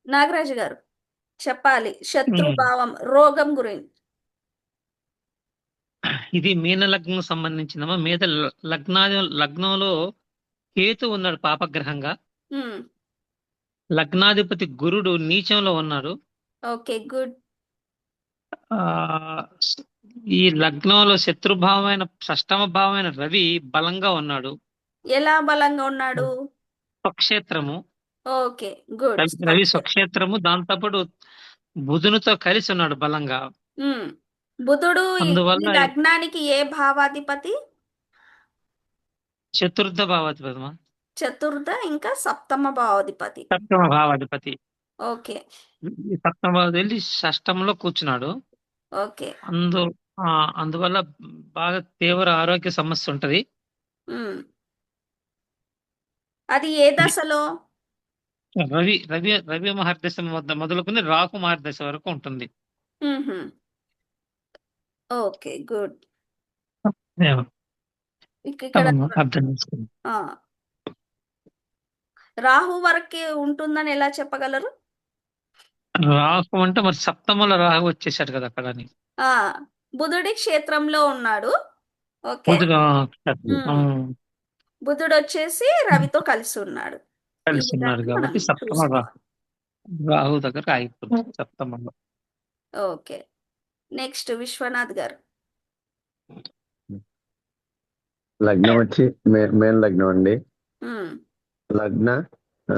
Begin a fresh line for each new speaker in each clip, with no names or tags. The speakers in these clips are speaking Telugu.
నాగరాజు గారు చెప్పాలి.
ఉమ్.
శత్రుభావం, రోగం గురించి.
ఇది మీన లగ్నం సంబంధించిందమ్మా. మీద లగ్నంలో కేతు ఉన్నాడు పాపగ్రహంగా.
హ్మ్.
లగ్నాధిపతి గురుడు నీచంలో ఉన్నాడు.
Okay, good.
ఆ ఈ లగ్నంలో శత్రుభావమైన షష్టమ భావమైన రవి బలంగా ఉన్నాడు.
ఎలా బలంగా ఉన్నాడు?
స్వక్షేత్రము.
Okay, good.
రవి స్వక్షేత్రము, దాంతోపాటు బుధునితో కలిసి ఉన్నాడు బలంగా.
హ్మ్. బుధుడు ఈ
అందువల్ల
లగ్నానికి ఏ భావాధిపతి?
చతుర్థ భావాధిపతి,
చతుర్థ ఇంకా సప్తమ భావాధిపతి.
సప్తమ భావాధిపతి.
ఓకే.
ఈ సప్తమ భావాధిపతి వెళ్ళి షష్టంలో కూర్చున్నాడు.
ఓకే.
అందు ఆ, అందువల్ల బాగా తీవ్ర ఆరోగ్య సమస్య ఉంటది.
హ్మ్. అది ఏ
ఇది
దశలో?
రవి రవి రవి మహర్దశ వద్ద మొదలుకొని రాహు మహర్దశ వరకు ఉంటుంది.
మ్మ్హ. Okay, good.
ఏమో,
ఇక్కడ
అర్థం చేసుకుంది.
ఆ, రాహు వరకే ఉంటుందని ఎలా చెప్పగలరు?
రాహు అంటే మరి సప్తమంలో రాహు వచ్చేసాడు కదా అక్కడ అని.
ఆ, బుధుడి క్షేత్రంలో ఉన్నాడు. ఓకే.
బుధుడు
హ్మ్. బుధుడు వచ్చేసి రవితో కలిసి ఉన్నాడు. ఈ
కలిసి ఉన్నారు
విధంగా మనం
కాబట్టి సప్తమ
చూసుకోవాలి.
రాహు దగ్గర ఆగిపోతుంది సప్తమంలో.
ఓకే. నెక్స్ట్ విశ్వనాథ్ గారు.
లగ్నం వచ్చి మేన్ లగ్నం అండి.
హ్మ్.
లగ్న ఆ,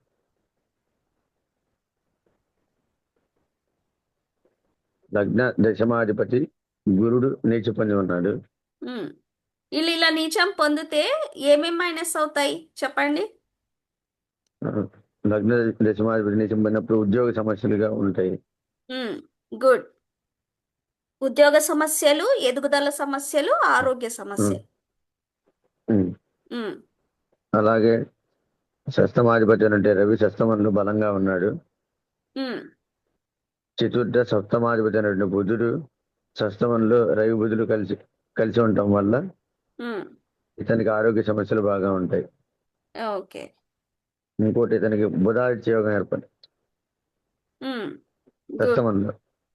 లగ్న దశమాధిపతి గురుడు నీచ పొంది ఉన్నాడు.
హ్మ్. వీళ్ళు ఇలా నీచం పొందితే ఏమేం మైనస్ అవుతాయి చెప్పండి?
ఆ, లగ్న దశమాధిపతి నీచం పొందినప్పుడు ఉద్యోగ సమస్యలుగా ఉంటాయి.
గుడ్. ఉద్యోగ సమస్యలు, ఎదుగుదల సమస్యలు, ఆరోగ్య
ఉమ్,
సమస్యలు.
ఉమ్.
హ్మ్.
అలాగే షష్టమాధిపతి అంటే రవి షష్టమంలో బలంగా ఉన్నాడు.
హ్మ్.
చతుర్థ సప్తమాధిపతి అయినటువంటి బుధుడు షష్టమంలో రవి బుధుడు కలిసి కలిసి ఉండటం వల్ల
హ్మ్.
ఇతనికి ఆరోగ్య సమస్యలు బాగా ఉంటాయి.
ఓకే.
ఇంకోటి ఇతనికి బుధాదిత్య యోగం ఏర్పడి
హ్మ్. గుడ్.
షష్టమంలో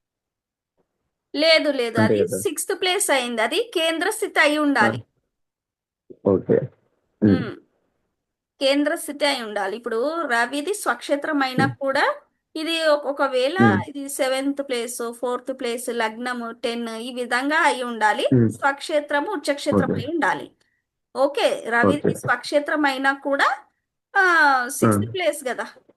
లేదు లేదు,
అంతే
అది
కదా.
సిక్స్త్ ప్లేస్ అయింది. అది కేంద్ర స్థితి అయి ఉండాలి.
ఓకే. ఉమ్,
హ్మ్. కేంద్ర స్థితి అయి ఉండాలి. ఇప్పుడు రవిది స్వక్షేత్రం అయినా
ఉమ్,
కూడా ఇది ఒకవేళ
ఉమ్,
ఇది సెవెంత్ ప్లేస్, ఫోర్త్ ప్లేస్, లగ్నము 10 ఈ విధంగా అయి ఉండాలి.
ఉమ్.
స్వక్షేత్రము ఉచ్చక్షేత్రం
ఓకే.
అయి ఉండాలి. ఓకే.
ఓకే.
రవిది స్వక్షేత్రం అయినా కూడా
ఆ,
సిక్స్త్ ప్లేస్ కదా.